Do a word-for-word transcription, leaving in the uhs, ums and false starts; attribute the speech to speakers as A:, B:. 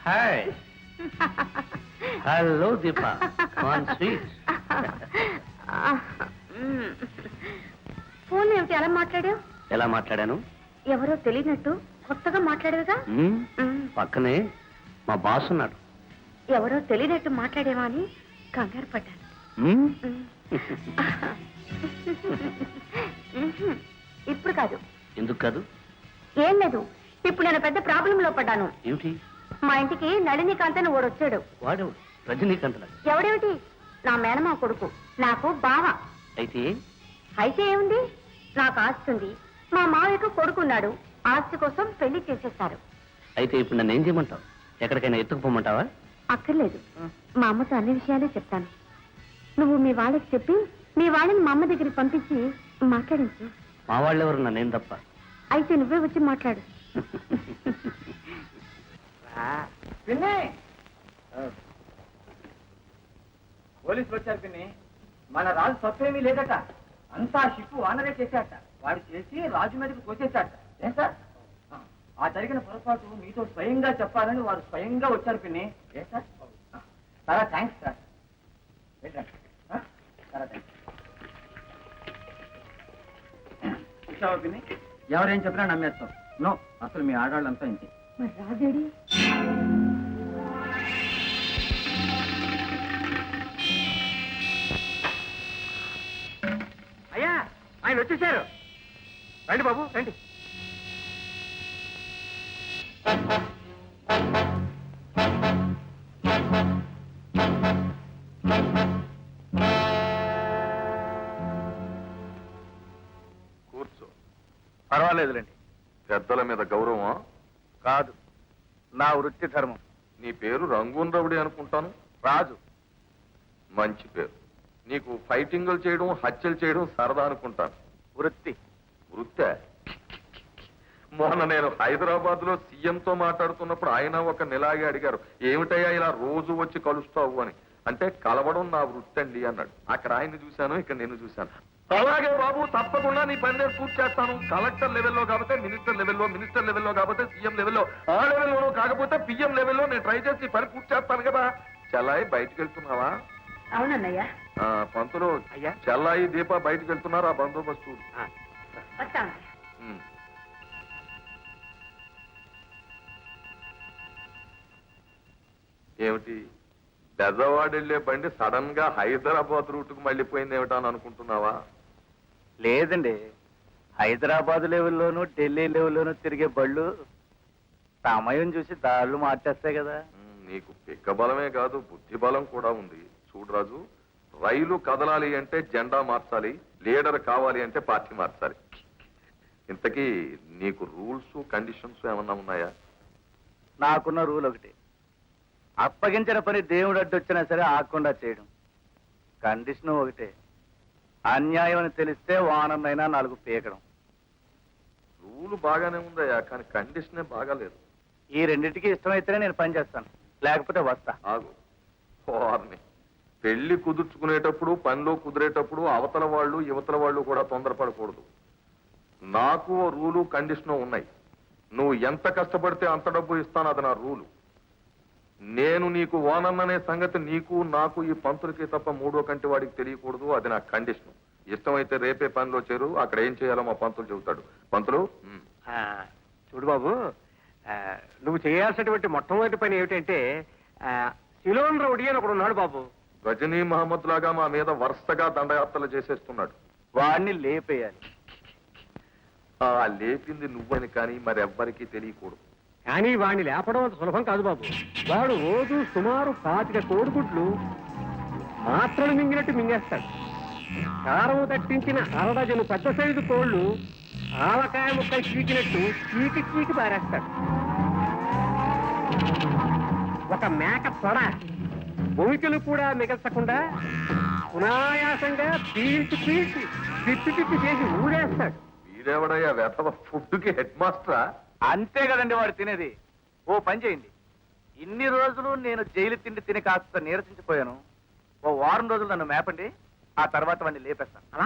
A: Hi. Hello Deepa, one sweet.
B: Phone ఏమిటి అలా మాట్లాడావు?
A: ఎలా మాట్లాడాను?
B: ఎవరో తెలియనట్టు కొత్తగా మాట్లాడేవిగా.
A: పక్కనే మా బాస్ ఉన్నాడు.
B: ఎవరో తెలియనట్టు మాట్లాడేవా అని కంగారు పడ్డాను. ఇప్పుడు కాదు.
A: ఎందుకు కాదు?
B: ఏం లేదు, ఇప్పుడు నేను పెద్ద ప్రాబ్లం లో పడ్డాను.
A: ఏమిటి?
B: మా ఇంటికి నళినీకాంత్ అని ఓడు వచ్చాడు.
A: వాడు రజనీకాంత్?
B: ఎవడేమిటి, నా మేనమా కొడుకు, నాకు బావ.
A: అయితే
B: అయితే ఏముంది, నాకు ఆస్తి ఉంది, మా మావయ్యకు కొడుకున్నాడు, ఆస్తి కోసం పెళ్లి చేసేస్తారు.
A: అయితే ఇప్పుడు నన్ను ఏం చేయమంటావు? ఎక్కడికైనా ఎత్తుకుపోమంటావా?
B: అక్కర్లేదు, మా అమ్మతో అన్ని విషయాలే చెప్తాను. నువ్వు మీ వాళ్ళకి చెప్పి మీ వాళ్ళని మా అమ్మ దగ్గరికి పంపించి మాట్లాడించు.
A: మా వాళ్ళెవరు, నన్నేం తప్ప.
B: అయితే నువ్వే వచ్చి మాట్లాడు.
C: పోలీసులు వచ్చారు పిన్ని. మన రాజు తప్పేమీ లేదట, అంతా షిప్పు వానరే చేశాట. వాడు చేసి రాజు మీదకి తోచేశాట. ఏం సార్, ఆ జరిగిన పొరపాటు మీతో స్వయంగా చెప్పాలని వారు స్వయంగా వచ్చారు పిన్ని. ఏ సార్, చాలా థ్యాంక్స్ సార్. చాలా థ్యాంక్స్. చూసావా పిన్ని, ఎవరేం చెప్పినా నమ్మేస్తాం. నో, అసలు మీ ఆడవాళ్ళంతా ఇంతే.
B: మరి రాజేడి?
C: అయ్యా, ఆయన వచ్చేసారు. రండి బాబు, రండి.
D: కూర్చో.
E: పర్వాలేదులేండి.
D: పెద్దల మీద గౌరవం
E: కాదు, నా వృత్తి ధర్మం.
D: నీ పేరు రంగూన్ రవుడి అనుకుంటాను.
E: రాజు.
D: మంచి పేరు. నీకు ఫైటింగులు చేయడం, హత్యలు చేయడం సరదా అనుకుంటాను.
E: వృత్తి.
D: వృత్తే? మొన్న నేను హైదరాబాద్ లో సీఎంతో మాట్లాడుతున్నప్పుడు ఆయన ఒక నెలాగే అడిగారు, ఏమిటయ్యా ఇలా రోజు వచ్చి కలుస్తావు అని. అంటే కలవడం నా వృత్తి అండి అన్నాడు. అక్కడ ఆయన్ని చూశాను, ఇక్కడ నేను చూశాను. అలాగే బాబు, తప్పకుండా నీ పని నేను పూర్తి చేస్తాను. కలెక్టర్ లెవెల్లో కాకపోతే మినిస్టర్ లెవెల్లో, మినిస్టర్ లెవెల్లో కాకపోతే సీఎం లెవెల్లో, ఆ లెవెల్లోనూ కాకపోతే పిఎం లెవెల్లో నేను ట్రై చేసి పని పూర్తి చేస్తాను కదా. చెల్లాయి బయటికి వెళ్తున్నావా?
B: అవునన్నయ్యా.
D: పంతులు, చెల్లాయి దీప బయటికి వెళ్తున్నారు. ఆ బందోబస్తు చూడు.
B: వస్తాను.
D: ఉమ్. ఏమిటి, బెజవాడ వెళ్లే బండి సడన్ గా హైదరాబాద్ రూట్ కు మళ్ళీపోయింది ఏమిటా అని అనుకుంటున్నావా?
E: లేదండి, హైదరాబాద్ లెవెల్లోనూ ఢిల్లీ లెవెల్లోనూ తిరిగే బళ్ళు సమయం చూసి దాళ్ళు మార్చేస్తాయి కదా.
D: ఉమ్, నీకు పిక్క బలమే కాదు, బుద్ధి బలం కూడా ఉంది. చూడు రాజు, రైలు కదలాలి అంటే జెండా మార్చాలి, లీడర్ కావాలి అంటే పార్టీ మార్చాలి. ఇంతకీ నీకు రూల్స్ కండిషన్స్ ఏమన్నా ఉన్నాయా?
E: నాకున్న రూల్ ఒకటి, అప్పగించిన పని దేవుడు అడ్డొచ్చినా సరే ఆకుండా చేయడం. కండిషన్ ఒకటే, అన్యాయం అని తెలిస్తే వానన్నైనా నాలుగు పీకడం.
D: రూల్ బాగానే ఉందయ్యా, కానీ కండిషనే బాగాలేదు.
E: ఈ రెండింటికి ఇష్టమైతేనే నేను పని చేస్తాను, లేకపోతే వస్తా.
D: ఆగు. వారిని పెళ్లి కుదుర్చుకునేటప్పుడు, పనిలో కుదిరేటప్పుడు అవతల వాళ్ళు యువతల వాళ్ళు కూడా తొందరపడకూడదు. నాకు రూలు కండిషను ఉన్నాయి. నువ్వు ఎంత కష్టపడితే అంత డబ్బు ఇస్తాను, అది నా రూలు. నేను నీకు ఓనన్ననే సంగతి నీకు నాకు ఈ పంతులకి తప్ప మూడో కంటి వాడికి తెలియకూడదు, అది నా కండిషన్. ఇష్టమైతే రేపే పనిలో చేరు, అక్కడ ఏం చేయాలో మా పంతులు చెబుతాడు. పంతులు,
C: చూడు బాబు, నువ్వు చేయాల్సినటువంటి మొట్టమొదటి పని ఏమిటంటే, సిలోన్ రౌడీ అని ఒకడు ఉన్నాడు బాబు.
D: రజనీ మహమ్మద్ లాగా మా మీద వరుసగా దండయాత్రలు చేసేస్తున్నాడు.
E: వాడిని లేపేయాలి.
D: ఆ లేపింది నువ్వని కానీ మరెవ్వరికీ తెలియకూడదు.
C: కానీ వాడిని లేపడం అంత సులభం కాదు బాబు. వాడు రోజు సుమారు పాతిక కోడిగుడ్లు మాత్రలు మింగినట్టు మింగేస్తాడు. కారం తట్టించిన అరడజను పెద్ద సైజు కోళ్లు ఆవకాయ ముక్కలు చీకినట్టు చీకి చీకి పారేస్తాడు. ఒక మేక తొడ భూమికలు కూడా మిగల్చకుండా సునాయాసంగా పీల్చి పీల్చి పిప్పి పిప్పి చేసి ఊడేస్తాడు.
D: వీడెవడయ్యా వెధవ ఫుడ్కి హెడ్ మాస్టరా?
E: అంతే కదండి వాడు తినేది. ఓ పని చేయండి, ఇన్ని రోజులు నేను జైలు తిండి తిని కాస్త నీరసించిపోయాను, ఓ వారం రోజులు నన్ను మేపండి, ఆ తర్వాత వాడిని లేపేస్తాను.